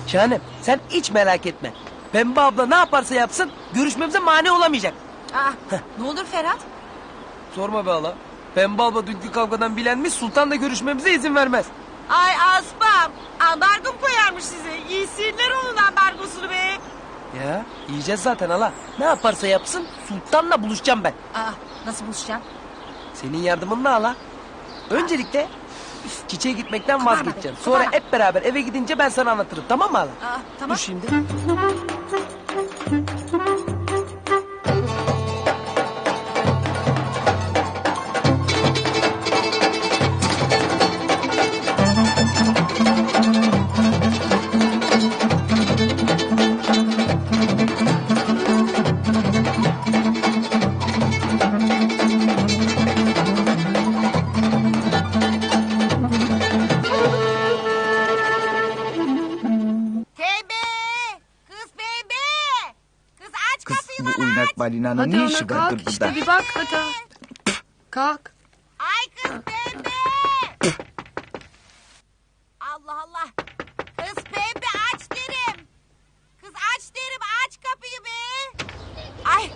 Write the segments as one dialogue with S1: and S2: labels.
S1: Şahanem sen hiç merak etme. Pembe abla ne yaparsa yapsın görüşmemize mani olamayacak.
S2: Ne olur Ferhat?
S1: Sorma be hala. Pembe abla dünkü kavgadan bilenmiş Sultan da görüşmemize izin vermez.
S2: Ay Aspam, ambargo mu koyarmış size? Yesinler onun ambargosunu be.
S1: Ya yiyeceğiz zaten hala. Ne yaparsa yapsın Sultan'la buluşacağım ben.
S2: Nasıl buluşacaksın?
S1: Senin yardımınla hala. Öncelikle çiçeğe gitmekten
S2: Kıvırma be,
S1: vazgeçeceğim. Sonra
S2: kıvırma.
S1: hep beraber eve gidince ben sana anlatırım, tamam mı hala?
S2: Tamam.
S1: Dur şimdi.
S2: Pembe! Kız Pembe! Kız aç
S3: Kız
S2: kapıyı
S3: bu
S2: bana
S3: uynak
S2: aç.
S3: balinanın
S4: Hadi
S3: ne
S4: ana
S3: işi
S4: kalk
S3: vardır burada?
S4: işte bir bak hadi. Kalk.
S2: Ay kız Pembe! Allah Allah! Kız Pembe aç derim. Kız aç derim, aç kapıyı be. Ay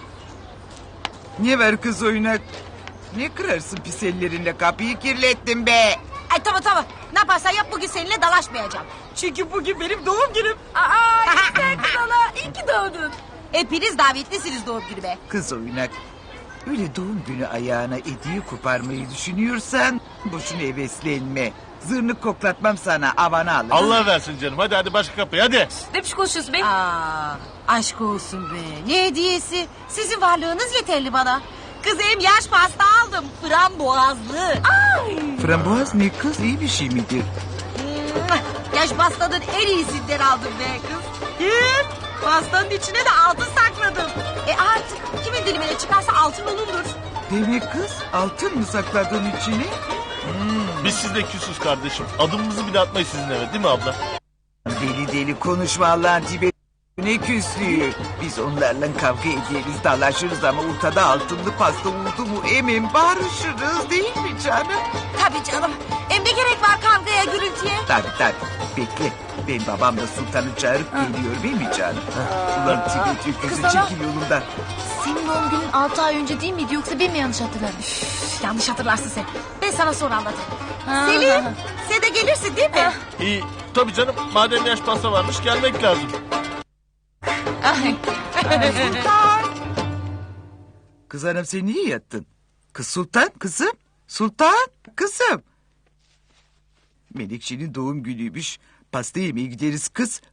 S3: Ne var kız oynak? Ne kırarsın pis ellerinle kapıyı kirlettin be.
S2: Ay tamam. Ne yaparsan yap bugün seninle dalaşmayacağım. Çünkü bugün benim doğum günüm. Sen kız hala iyi ki doğdun. Hepiniz davetlisiniz doğum günüme.
S3: Kız oynak. Öyle doğum günü ayağına hediye koparmayı düşünüyorsan boşuna heveslenme. Zırnık koklatmam sana avana alır.
S5: Allah versin canım. Hadi başka kapıya hadi.
S4: Ne biçim konuşuyorsun be?
S2: Aşk olsun be. Ne hediyesi? Sizin varlığınız yeterli bana. Kız hem yaş pasta aldım. Frambuazlı.
S3: Frambuaz ne kız iyi bir şey midir?
S2: Yaş pastanın en iyisinden aldım be kız. Pastanın içine de altın sakladım. Artık kimin dilimine çıkarsa altın olurdur.
S3: Demek kız altın mı sakladın içine?
S5: Biz sizle küsüz kardeşim. Adımımızı bile atmayız sizin eve değil mi abla?
S3: Deli deli konuşma Allah'ın tibi. Ne küslüğü. Biz onlarla kavga ederiz, dalaşırız ama ortada altınlı pasta oldu mu emin barışırız değil mi canım?
S2: Tabii canım. Hem de gerek var kavgaya gürültüye.
S3: Tabii. Bekle. Ben babamla sultanı çağırıp geliyor değil mi canım? Ulan Tibet öküzü
S4: Kız ana.
S3: çekil yolundan.
S4: Senin doğum günün 6 ay önce değil miydi yoksa ben mi yanlış hatırladım?
S2: Yanlış hatırlarsın sen. Ben sana sonra anlatayım. Selim sen de gelirsin değil mi?
S5: İyi. Tabii canım. Madem yaş pasta varmış gelmek lazım.
S3: Kız hanım sen niye yattın? Kız sultan kızım. Sultan kızım. Melekşe'nin doğum günüymüş. Pasta yemeye gideriz kız.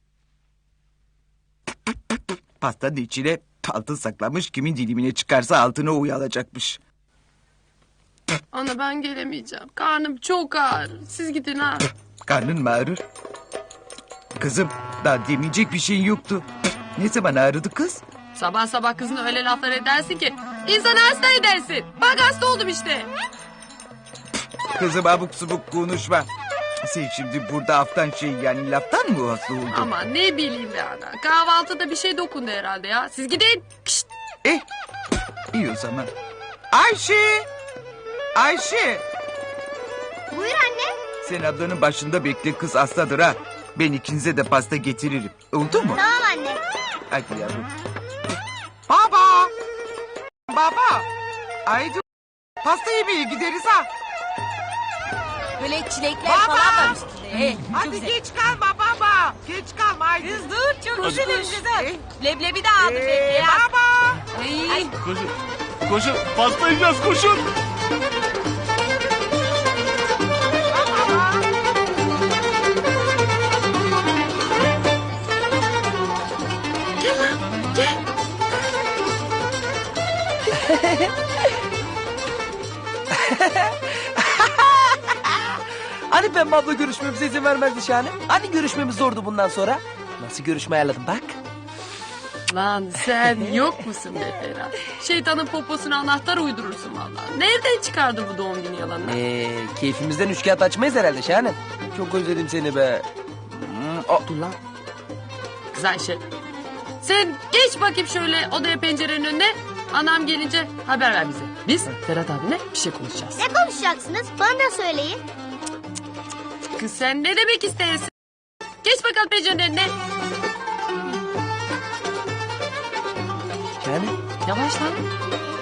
S3: Pastanın içine altın saklamış. Kimin dilimine çıkarsa altına o alacakmış.
S4: Ana ben gelemeyeceğim. Karnım çok ağır. Siz gidin ha.
S3: Karnın mı ağrır? Kızım daha demeyecek bir şeyin yoktu. Ne zaman ağrıdı kız?
S4: Sabah sabah kızına öyle laflar edersin ki insanı hasta edersin. Bak hasta oldum işte.
S3: Kızım abuk subuk konuşma. Sen şimdi burada aftan yani laftan mı hasta oldun?
S4: Ama ne bileyim be ana. Kahvaltıda bir şey dokundu herhalde ya. Siz gidin. Kişt.
S3: İyi o zaman. Ayşe! Ayşe!
S6: Buyur anne.
S3: Sen ablanın başında bekle kız hastadır ha. Ben ikinize de pasta getiririm. Oldu mu?
S6: Tamam anne.
S3: Hadi yavrum. Baba! Baba! Haydi pasta yemeye gideriz ha.
S2: Böyle çilekler
S3: Baba!
S2: falan var üstünde. Çok
S3: Hadi
S2: güzel.
S3: geç kalma baba. Geç kalma haydi.
S2: Kız dur çok
S5: Hadi.
S2: güzel güzel. Leblebi de aldım leblebi.
S3: Baba!
S2: Ay.
S5: Koşun. Pasta yiyeceğiz koşun.
S1: Hani Pembe abla görüşmemize izin vermezdi Şahane? Hani görüşmemiz zordu bundan sonra? Nasıl görüşme ayarladım bak.
S4: Lan sen yok musun be Ferhat? Şeytanın poposuna anahtar uydurursun vallahi. Nereden çıkardı bu doğum günü yalanını?
S1: Keyfimizden üç kağıt açmayız herhalde Şahane. Çok özledim seni be.
S4: Dur lan. Kız Ayşe. Sen geç bakayım şöyle odaya pencerenin önüne. Anam gelince haber ver bize. Biz Ferhat abine bir şey konuşacağız.
S6: Ne konuşacaksınız? Bana da söyleyin.
S4: Kız sen ne demek istersin? Geç bakalım pencerenin önüne.
S1: Şahane.
S4: Yavaş lan.